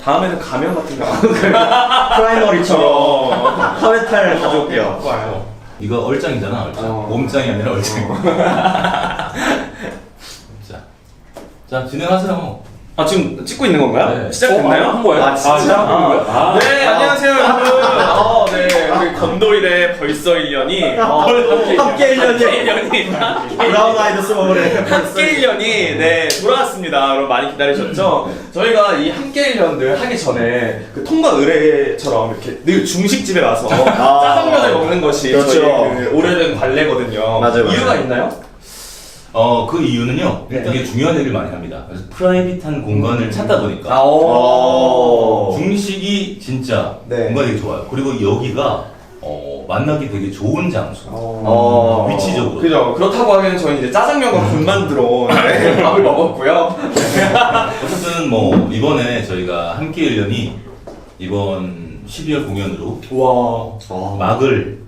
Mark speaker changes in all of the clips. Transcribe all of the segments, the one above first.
Speaker 1: 다음에는 가면 같은 거.
Speaker 2: 프라이머리처럼 카메탈 가져올게요.
Speaker 3: 이거 얼짱이잖아, 얼짱. 몸짱이 아니라 얼짱. 자, 진행하세요.
Speaker 1: 아, 지금 찍고 있는 건가요?
Speaker 3: 네.
Speaker 1: 시작됐나요?
Speaker 2: 한 거예요?
Speaker 1: 아, 진짜? 네, 안녕하세요, 여러분. 네, 우리 검도일의 벌써 1년이
Speaker 2: 함께 1년이 브라운 아이드 스모그래
Speaker 1: 함께 1년이 네 돌아왔습니다. 여러분 많이 기다리셨죠? 저희가 이 함께 1년을 하기 전에 그 통과 의례처럼 이렇게 늘 중식집에 가서 짜장면을 먹는 것이
Speaker 2: 그렇죠.
Speaker 1: 저희 그 오래된 관례거든요.
Speaker 2: 맞아요.
Speaker 1: 이유가 있나요?
Speaker 3: 그 이유는요,
Speaker 1: 네.
Speaker 3: 되게 중요한 얘기를 많이 합니다. 그래서 프라이빗한 공간을 찾다 보니까 중식이 진짜
Speaker 1: 네.
Speaker 3: 공간이 되게 좋아요. 그리고 여기가 만나기 되게 좋은 장소. 위치적으로.
Speaker 1: 그죠. 그렇다고 하면 저희 이제 짜장면과 군만두로 네, 밥을 먹었고요.
Speaker 3: 어쨌든 뭐 이번에 저희가 함께 1년이 이번 12월 공연으로
Speaker 1: 와.
Speaker 3: 막을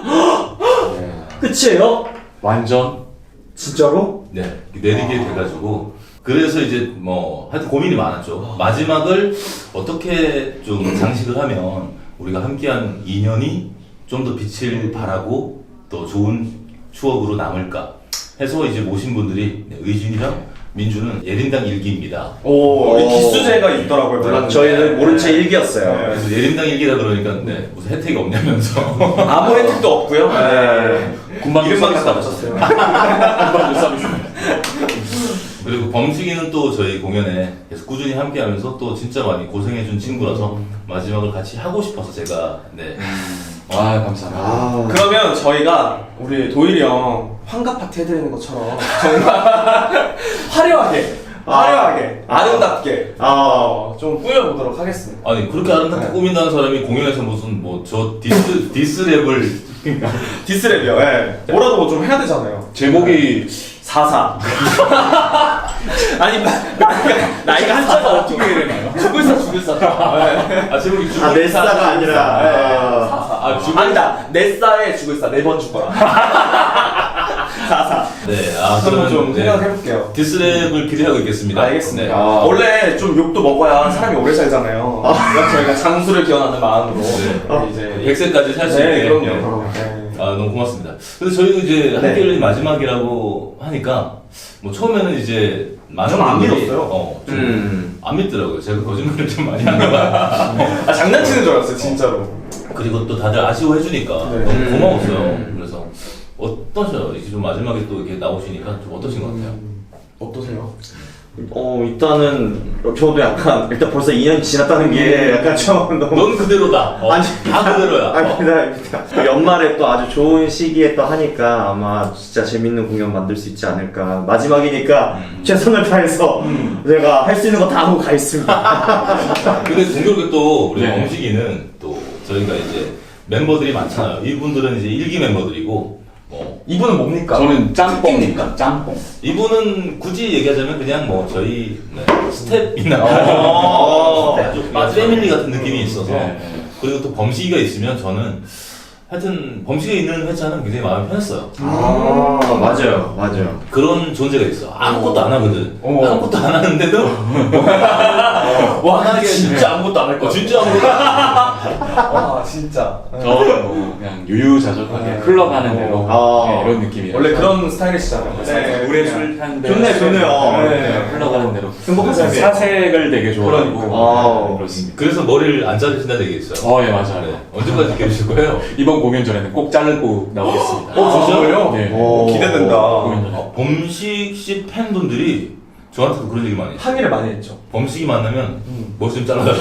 Speaker 2: 끝이에요?
Speaker 4: 완전
Speaker 2: 진짜로?
Speaker 3: 내리게 돼가지고 그래서 이제 뭐 하여튼 고민이 많았죠. 마지막을 어떻게 좀 장식을 하면 우리가 함께한 2년이 좀 더 빛을 발하고 또 좋은 추억으로 남을까 해서 이제 모신 분들이 의진이랑 민주는 예린당 일기입니다.
Speaker 1: 오, 이 기수제가 있더라고요. 몰랐는데.
Speaker 2: 저희는 모른 채 일기였어요.
Speaker 1: 네.
Speaker 3: 그래서 예린당 일기다 그러니까 무슨 혜택이 없냐면서
Speaker 1: 아무 혜택도 없고요. 네.
Speaker 4: 군만두
Speaker 1: 이름만
Speaker 4: 서비스
Speaker 1: 갖다 붙였어요.
Speaker 4: 군만두 서비스입니다.
Speaker 3: 그리고 범식이는 또 저희 공연에 계속 꾸준히 함께하면서 또 진짜 많이 고생해준 친구라서 마지막을 같이 하고 싶어서 제가
Speaker 4: 아 감사합니다.
Speaker 1: 그러면 저희가 우리 도일이 형 환갑 파티 해드리는 것처럼 정말 화려하게 아름답게 좀 꾸며보도록 하겠습니다.
Speaker 3: 아니 그렇게 아름답게
Speaker 1: 네.
Speaker 3: 꾸민다는 사람이 공연에서 무슨 뭐 저 디스랩을
Speaker 1: 디스랩이요. 네. 뭐라도 좀 해야 되잖아요.
Speaker 4: 제목이
Speaker 1: 44. 아니 나이가 한자가 어떻게 되나요? 죽을 사. 네.
Speaker 3: 제목이
Speaker 2: 내 싸가 아니라
Speaker 1: 아니다. 내 싸에 죽을 사. 4번 죽어라. 44.
Speaker 3: 그러면
Speaker 1: 좀 생각해볼게요.
Speaker 3: 디스랩을 기대하고 있겠습니다.
Speaker 1: 알겠습니다.
Speaker 3: 네.
Speaker 1: 원래 좀 욕도 먹어야 사람이 오래 살잖아요. 그러니까 저희가 장수를 기원하는 마음으로 이제
Speaker 3: 100세까지 살 수
Speaker 1: 네,
Speaker 3: 있게.
Speaker 1: 그럼요. 네.
Speaker 3: 너무 고맙습니다. 근데 저희도 이제 함께 열린 마지막이라고 하니까 뭐 처음에는 이제 많은
Speaker 1: 좀 안
Speaker 3: 분들이
Speaker 1: 믿었어요.
Speaker 3: 안 믿더라고요. 제가 거짓말을 좀 많이 하나 봐요.
Speaker 1: 장난치는 줄 알았어요, 진짜로.
Speaker 3: 그리고 또 다들 아쉬워해주니까
Speaker 1: 네.
Speaker 3: 너무 고마웠어요. 그래서 어떠셔요? 이제 좀 마지막에 또 이렇게 나오시니까 좀 어떠신 것 같아요?
Speaker 1: 어떠세요?
Speaker 2: 일단은 저도 약간 일단 벌써 2년이 지났다는 게 약간 좀 너무
Speaker 3: 넌 그대로다.
Speaker 2: 아니,
Speaker 3: 다 그대로야.
Speaker 2: 아닙니다. 연말에 또 아주 좋은 시기에 또 하니까 아마 진짜 재밌는 공연 만들 수 있지 않을까. 마지막이니까 최선을 다해서 제가 할 수 있는 거 다 하고 가겠습니다.
Speaker 3: 근데 공교롭게 또 우리
Speaker 4: 네.
Speaker 3: 범식이는 또 저희가 이제 멤버들이 많잖아요. 이분들은 이제 1기 멤버들이고
Speaker 1: 이분은 뭡니까?
Speaker 4: 저는 짬뽕입니다. 짬뽕.
Speaker 3: 이분은 굳이 얘기하자면 그냥 뭐 저희 스텝이나 아주 패밀리 같은 느낌이 있어서
Speaker 4: 네.
Speaker 3: 그리고 또 범식이가 있으면 저는 하여튼 범식이 있는 회차는 굉장히 마음이 편했어요.
Speaker 2: 맞아요.
Speaker 3: 그런 존재가 있어. 아무것도 안 하거든.
Speaker 1: 오.
Speaker 3: 아무것도 안 하는데도
Speaker 1: 와, 나 진짜 아무것도 안 할 거야.
Speaker 3: 진짜 아무것도 안 해.
Speaker 1: 와, 진짜.
Speaker 4: 저는 뭐 그냥 유유자적하게 흘러가는 대로 네, 이런 느낌이에요.
Speaker 1: 원래 그런 스타일이시잖아요.
Speaker 4: 네, 물에 술 탄데
Speaker 2: 좋네요.
Speaker 1: 네.
Speaker 4: 흘러가는 대로
Speaker 2: 행복한 삶이에요.
Speaker 4: 사색을 되게 좋아하고
Speaker 1: 그러니까.
Speaker 4: 그렇습니다.
Speaker 3: 그래서 머리를 안 자르신다는 얘기 있어요.
Speaker 4: 예 맞아요.
Speaker 3: 네. 언제까지 기르실 거예요?
Speaker 4: 이번 공연 전에는 꼭 자르고 나오겠습니다.
Speaker 1: 진짜요?
Speaker 4: 네.
Speaker 1: 기대된다.
Speaker 4: 공연 전에.
Speaker 3: 범식 씨 팬분들이 저한테도 그런 얘기 많이 해요.
Speaker 1: 항의를 많이 했죠.
Speaker 3: 범식이 만나면 머리 좀 잘라달라.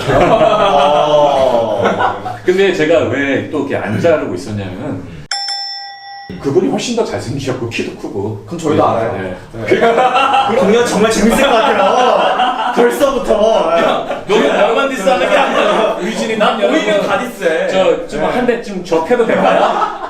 Speaker 4: 근데 제가 왜 또 이렇게 안 자르고 있었냐면은 그분이 훨씬 더 잘생기셨고 키도 크고.
Speaker 1: 그건 저희도 알아요.
Speaker 4: 네.
Speaker 2: 공연 정말 재밌을 것 같아요. 벌써부터.
Speaker 3: 너무 나만 디스하는 게 아니라
Speaker 4: 의진이 남
Speaker 1: 보이면 다 디스해.
Speaker 4: 저좀 한 대쯤 접해도 될까요?